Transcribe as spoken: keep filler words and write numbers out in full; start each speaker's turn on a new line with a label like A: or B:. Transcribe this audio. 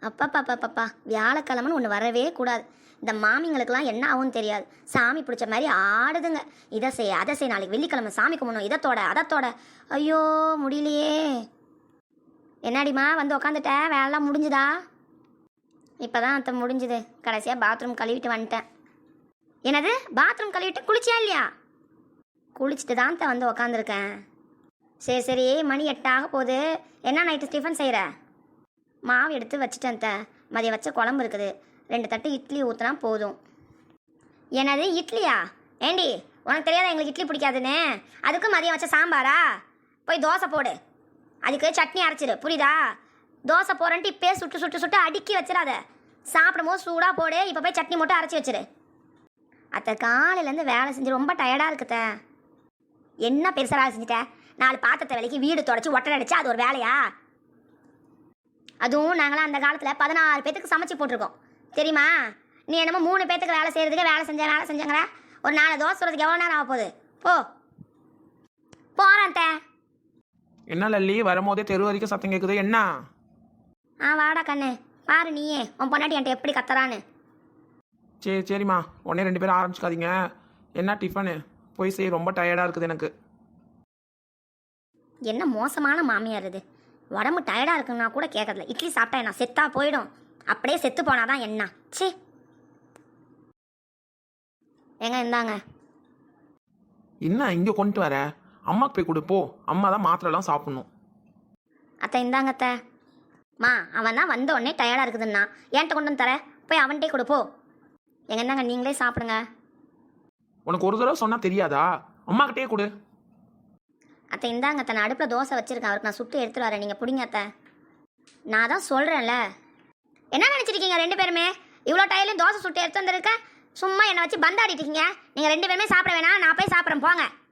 A: அப்பப்பப்பப்பா வியாழக்கிழமைன்னு ஒன்று வரவே கூடாது. இந்த மாமிங்களுக்கெல்லாம் என்ன ஆகும்னு தெரியாது. சாமி பிடிச்ச மாதிரி ஆடுதுங்க. இதை செய் அதை செய், நாளைக்கு வெள்ளிக்கிழமை சாமி கும்பிடணும், இதத்தோட அதத்தோட. ஐயோ முடியலையே. என்னடிமா வந்து உக்காந்துட்ட, வேலைலாம் முடிஞ்சுதா? இப்போ தான் அத்தை முடிஞ்சுது. கடைசியாக பாத்ரூம் கழுவிட்டு வந்துட்டேன். என்னது பாத்ரூம் கழுவிட்டு குளிச்சியா இல்லையா? குளிச்சுட்டு தான் அத்தை வந்து உக்காந்துருக்கேன். சரி சரி, மணி எட்டாக போகுது. என்ன நைட்டு டிஃபன் செய்கிற? மாவு எடுத்து வச்சுட்டேன் அத்தை. மதியம் வச்ச குழம்பு இருக்குது. ரெண்டு தட்டு இட்லி ஊற்றினா போதும். என்னது இட்லியா? ஏண்டி உனக்கு தெரியாத எங்களுக்கு இட்லி பிடிக்காதுன்னு? அதுக்கு மதியம் வச்ச சாம்பாரா? போய் தோசை போடு, அதுக்கு சட்னி அரைச்சிடு, புரியுதா? தோசை போகிறேன்ட்டு இப்போயே சுட்டு சுட்டு சுட்டு அடுக்கி வச்சிடாத. சாப்பிடும் போது சூடாக போடு. இப்போ போய் சட்னி மட்டும் அரைச்சி வச்சிரு. அத்தை காலையிலேருந்து வேலை செஞ்சு ரொம்ப டயர்டாக இருக்குத்த. என்ன பெருசாக வேலை செஞ்சுட்டேன்? நாலு பாத்திரத்தை வேலைக்கு வீடு தொடச்சி ஒட்டடை அடிச்சு அது ஒரு வேலையா? அதுவும் நாங்களாம் அந்த காலத்தில் பதினாறு பேத்துக்கு சமைச்சு போட்டிருக்கோம் தெரியுமா? நீ என்னமோ மூணு பேத்துக்கு வேலை செய்கிறதுக்கு வேலை செஞ்ச வேலை செஞ்சங்கிற. ஒரு நாலு தோசை சொல்கிறதுக்கு எவ்வளோ நேரம் ஆக போகுது? போ போகிறேன் அத்தை.
B: என்ன லல்லி, வரும்போதே தெரு வரைக்கும் சத்தம் கேட்குது, என்ன?
A: ஆ வாடா கண்ணு, பாரு நீயே உன் பொண்டாட்டி என்கிட்ட எப்படி கத்துறான்னு.
B: சரி சரிம்மா, உடனே ரெண்டு பேரும் ஆரம்பிச்சுக்காதீங்க. என்ன டிஃபனு? போய் செய், ரொம்ப டயர்டாக இருக்குது எனக்கு.
A: என்ன மோசமான மாமியார் இது. உடம்பு டயர்டாக இருக்குன்னா கூட கேட்கறதில்ல. இட்லி சாப்பிட்டா என்ன செத்தா போயிடும். அப்படியே செத்து போனாதான் என்ன? சி எங்க இந்தாங்க.
B: என்ன இங்கே கொண்டு வர? அம்மாக்கு போய் கொடு போ. அம்மா தான் மாத்திரைலாம் சாப்பிட்ணும்.
A: அத்தை இந்தாங்க அத்தை. மா அவன் தான் வந்த உடனே டயர்டாக இருக்குதுன்னா என்கிட்ட கொண்டு வந்து தர. போய் அவன்கிட்டே கொடுப்போ. எங்க இந்தாங்க, நீங்களே சாப்பிடுங்க.
B: உனக்கு ஒரு தடவை சொன்னால் தெரியாதா? அம்மாக்கிட்டே கொடு.
A: அத்தை இந்தாங்க அத்தை, நான் அடுப்பில் தோசை வச்சுருக்கேன். அவருக்கு நான் சுட்டு எடுத்துகிட்டு வரேன், நீங்கள் பிடிங்க அத்தை. நான் தான் சொல்கிறேன்ல. என்ன நினச்சிருக்கீங்க ரெண்டு பேருமே? இவ்வளோ டயர்லையும் தோசை சுட்டு எடுத்து வந்துருக்க. சும்மா என்னை வச்சு பந்தாடிட்டு இருக்கீங்க. நீங்கள் ரெண்டு பேருமே சாப்பிட வேணாம், நான் போய் சாப்பிட்றேன் போங்க.